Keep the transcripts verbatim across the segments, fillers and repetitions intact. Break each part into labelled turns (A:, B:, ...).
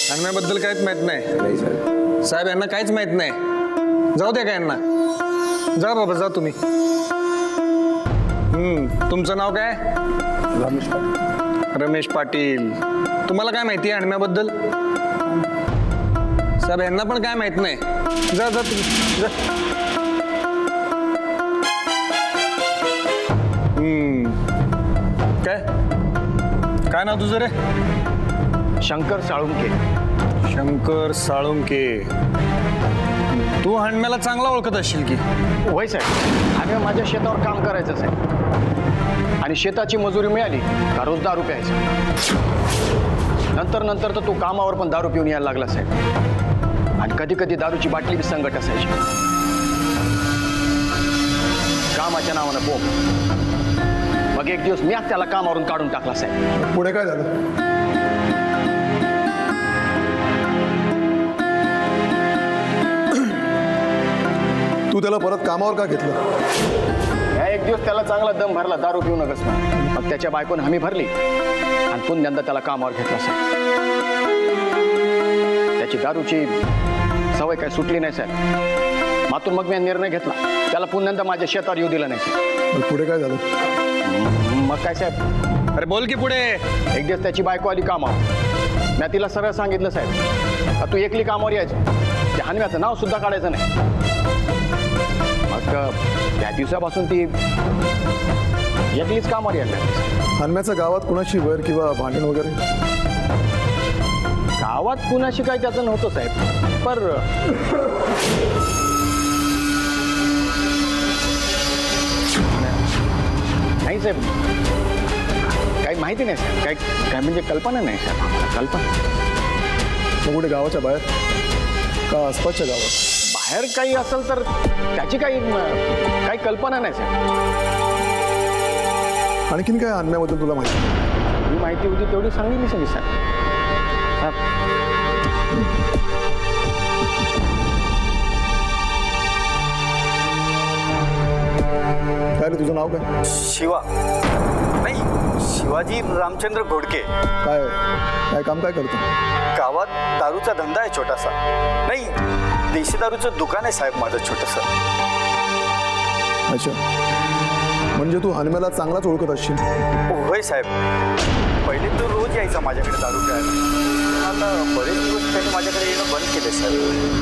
A: हनम्याबद्दल काहीच माहित नाही
B: नाही साहेब.
A: साहेब, यांना काहीच माहित नाही. जाऊ द्या का यांना. जा बाबा, जा तुम्ही. हम्म तुमचं नाव काय?
B: रमेश पाटील.
A: रमेश पाटील. तुम्हाला काय माहिती आहे हनम्याबद्दल? साहेब, यांना पण काय माहित नाही. जा जा तुम्ही जा. हम्म काय काय नाव तुझं रे?
C: शंकर साळुंके.
A: शंकर साळुंके. तू हनम्याला चांगला ओळखत असशील की?
C: होय साहेब, आम्ही माझ्या शेतावर काम करायचं साहेब, आणि शेताची मजुरी मिळाली का रोज दारू प्यायचा. नंतर नंतर तर तो कामावर पण दारू पिऊन यायला लागला साहेब, आणि कधी कधी दारूची बाटली बी संकट असायची. कामाच्या नावानं बोंब. मग एक दिवस मी आज त्याला कामावरून काढून टाकला साहेब.
B: पुढे काय झालं? तू त्याला परत कामावर का घेतलं?
C: या एक दिवस त्याला चांगला दम भरला दारू पिऊ नकस म्हणून. मग त्याच्या बायकोनं हमी भरली आणि पुन्हा त्याला कामावर घेतला साहेब. त्याची दारूची सवय काय सुटली नाही साहेब. मातून मग मी निर्णय घेतला, त्याला पुन्हा माझ्या शेतावर येऊ दिला नाही साहेब.
B: मग पुढे काय झालं?
C: मग काय साहेब,
A: अरे बोल की पुढे.
C: एक दिवस त्याची बायको आली कामावर. मी तिला सरळ सांगितलं साहेब, का तू एकली कामावर यायचं, त्या हनम्याचं नाव सुद्धा काढायचं नाही. मग त्या दिवसापासून ती एकलीच कामावर यायला लागली.
B: हनम्याच्या गावात कुणाशी वैर किंवा भांडण वगैरे?
C: गावात कुणाशी काही त्याचं नव्हतं साहेब, पर नाही साहेब, काही माहिती नाही साहेब. काय काय म्हणजे कल्पना नाही साहेब आम्हाला. कल्पना
B: मग कुठे गावाच्या बाहेर का आसपासच्या गावात?
C: बाहेर काही असेल तर त्याची काही काही कल्पना नाही साहेब.
B: आणखीन काय हनम्याबद्दल तुला माहिती?
C: ही माहिती होती तेवढी सांगितली सगळी साहेब.
B: काय रे, तुझं नाव काय?
D: शिवा नाही, शिवाजी रामचंद्र घोडके.
B: काय काय काम काय करतो?
D: गावात दारूचा धंदा आहे छोटासा. नाही, देशी दारूचं दुकान आहे साहेब माझं छोटंसं.
B: अच्छा, म्हणजे तू हनम्याला चांगलाच ओळखत असशील.
D: होय साहेब, पहिले तो रोज यायचा माझ्याकडे दारू प्यायला. आता बरेच दिवस त्याने माझ्याकडे येणं बंद केले साहेब.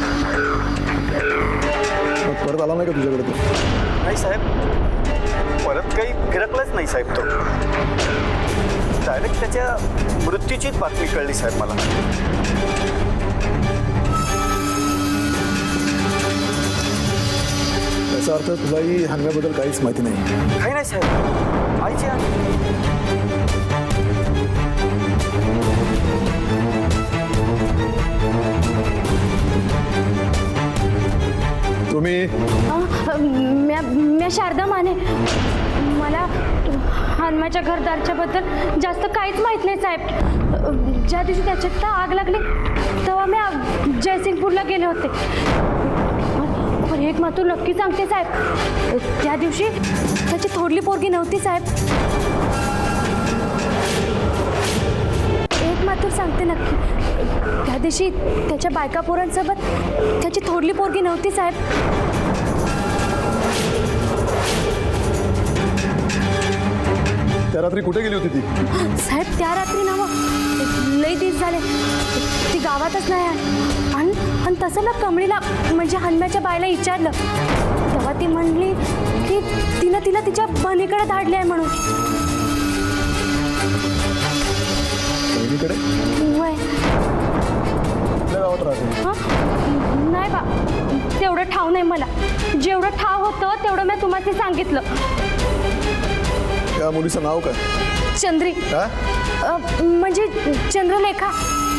B: मग परत आला नाही का तुझ्याकडे तो?
D: नाही साहेब, परत काही फिरकलंच नाही साहेब. तो डायरेक्ट त्याच्या मृत्यूचीच बातमी कळली साहेब मला.
B: याचा अर्थ तुलाही हनम्याबद्दल काहीच माहिती नाही.
D: काही नाही साहेब. आईची
B: तुम्ही?
E: म्या म्या शारदा माने. मला हनम्याच्या घरदारच्या बद्दल जास्त काहीच माहीत नाही साहेब. ज्या दिवशी त्याच्यात आग लागली तेव्हा मी जयसिंगपूरला गेले होते. पण एक मात्र नक्की सांगते साहेब, त्या दिवशी त्याची थोडली पोरगी नव्हती साहेब. एक मात्र सांगते नक्की, त्या दिवशी त्याच्या बायका पोरांसोबत त्याची थोडली पोरगी नव्हती साहेब.
B: त्या रात्री कुठे गेली होती ती?
E: साहेब, त्या रात्री ना मग लई दिवस झाले ती गावातच नाही आहे. आणि आणि तसं ना कमळीला म्हणजे हनम्याच्या बायला विचारलं तेव्हा ती म्हणली की तिनं तिला तिच्या बहिणीकडे धाडले आहे म्हणून.
B: बहिणीकडे?
E: वय
B: कुठल्या गावात राहते?
E: हां नाही बा, तेवढं ठाव नाही मला. जेवढं ठाव होतं तेवढं मी तुम्हाला सांगितलं.
B: त्या मुलीचं नाव काय?
E: चंद्री.
B: काय?
E: अ, म्हणजे चंद्रलेखा.